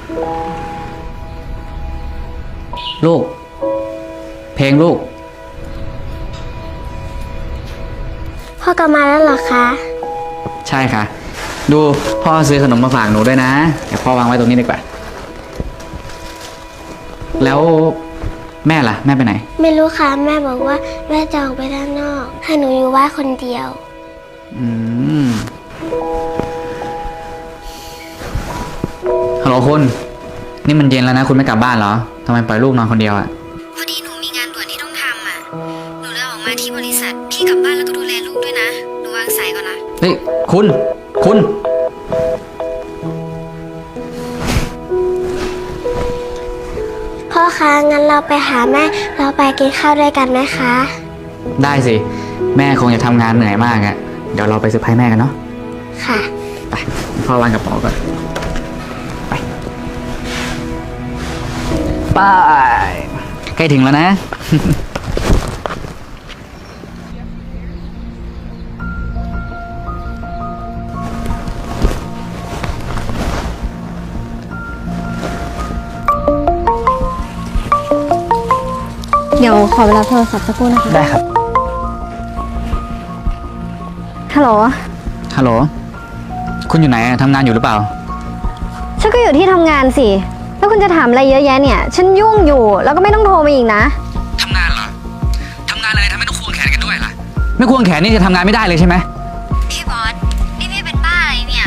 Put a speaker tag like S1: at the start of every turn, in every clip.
S1: ลูกเพลงลูก
S2: พ่อกลับมาแล้วเหรอคะ
S1: ใช่ค่ะดูพ่อซื้อขนมมาฝากหนูด้วยนะเดี๋ยวพ่อวางไว้ตรงนี้ดีกว่าแล้วแม่ล่ะแม่ไปไหน
S2: ไม่รู้ค่ะแม่บอกว่าแม่จะออกไปด้านนอกให้หนูอยู่บ้านคนเดียว
S1: ฮัลโหลคุณนี่มันเย็นแล้วนะคุณไม่กลับบ้านเหรอทำไมปล่อยลูกนอนคนเดียวอ่ะ
S3: พอดีหนูมีงานด่วนที่ต้องทำอ่ะหนูเลยออกมาที่บริษัทพี่กลับบ้านแล้วก็ดูแลลูกด้วยนะหนูวางสายก่อนนะ
S1: เฮ้ยคุณ
S2: พ่อคะงั้นเราไปหาแม่เราไปกินข้าวด้วยกันไหมคะ
S1: ได้สิแม่คงจะทำงานเหนื่อยมากอ่ะเดี๋ยวเราไปเซอร์ไพรส์แม่กันเนาะ
S2: ค่ะ
S1: ไปพ่อวางกระเป๋าก่อนไปใกล้ถึงแล้วนะ
S4: เดี๋ยวขอเวลาโทรศัพท์สักครู่นะคะ
S1: ได้ครับ
S4: ฮัลโหล
S1: คุณอยู่ไหนทำงานอยู่หรือเปล่า
S4: ฉันก็อยู่ที่ทำงานสิแล้วคุณจะถามอะไรเยอะแยะเนี่ยฉันยุ่งอยู่แล้วก็ไม่ต้องโทรมาอีกนะ
S1: ทำงานเหรอทำงานอะไรทำไมต้องควงแขนกันด้วยล่ะไม่ควงแขนนี่จะทำงานไม่ได้เลยใช่ไหม
S3: พี่บอสนี่พี่เป็นบ้าอะไรเนี่ย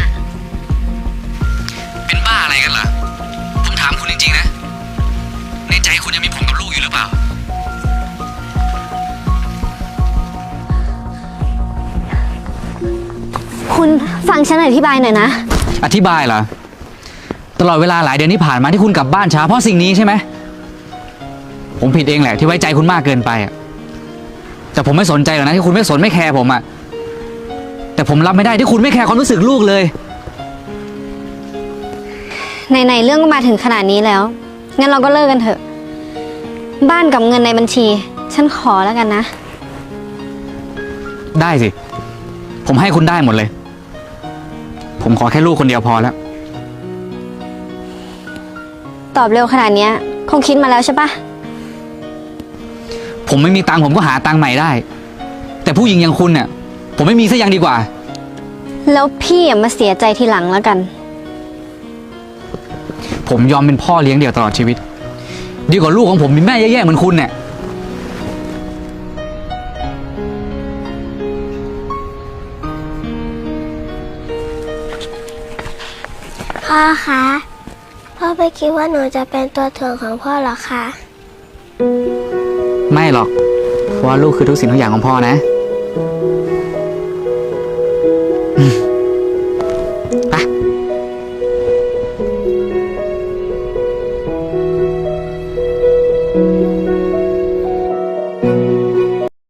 S1: เป็นบ้าอะไรกันเหรอผมถามคุณจริงๆนะในใจคุณยังมีผมกับลูกอยู่หรือเปล่า
S4: คุณฟังฉันอธิบายหน่อยนะ
S1: อธิบายเหรอตลอดเวลาหลายเดือนที่ผ่านมาที่คุณกลับบ้านช้าเพราะสิ่งนี้ใช่ไหมผมผิดเองแหละที่ไว้ใจคุณมากเกินไปอ่ะแต่ผมไม่สนใจหรอกนะที่คุณไม่สนไม่แคร์ผมอ่ะแต่ผมรับไม่ได้ที่คุณไม่แคร์ความรู้สึกลูกเลย
S4: ไหนๆเรื่องก็มาถึงขนาดนี้แล้วงั้นเราก็เลิกกันเถอะบ้านกับเงินในบัญชีฉันขอแล้วกันนะ
S1: ได้สิผมให้คุณได้หมดเลยผมขอแค่ลูกคนเดียวพอแล้ว
S4: ตอบเร็วขนาดนี้คงคิดมาแล้วใช่ปะ
S1: ผมไม่มีตังค์ผมก็หาตังค์ใหม่ได้แต่ผู้หญิงอย่างคุณเนี่ยผมไม่มีซะยังดีกว่า
S4: แล้วพี่อย่ามาเสียใจทีหลังแล้วกัน
S1: ผมยอมเป็นพ่อเลี้ยงเดี่ยวตลอดชีวิตดีกว่าลูกของผมมีแม่แย่ๆเหมือนคุณเนี่ย
S2: พ่อคะพ่อไม่คิดว่าหนูจะเป็นตัวถ่วงของพ่อหรอคะ
S1: ไม่หรอกเพราะว่าลูกคือทุกสิ่งทุกอย่างของพ่อนะ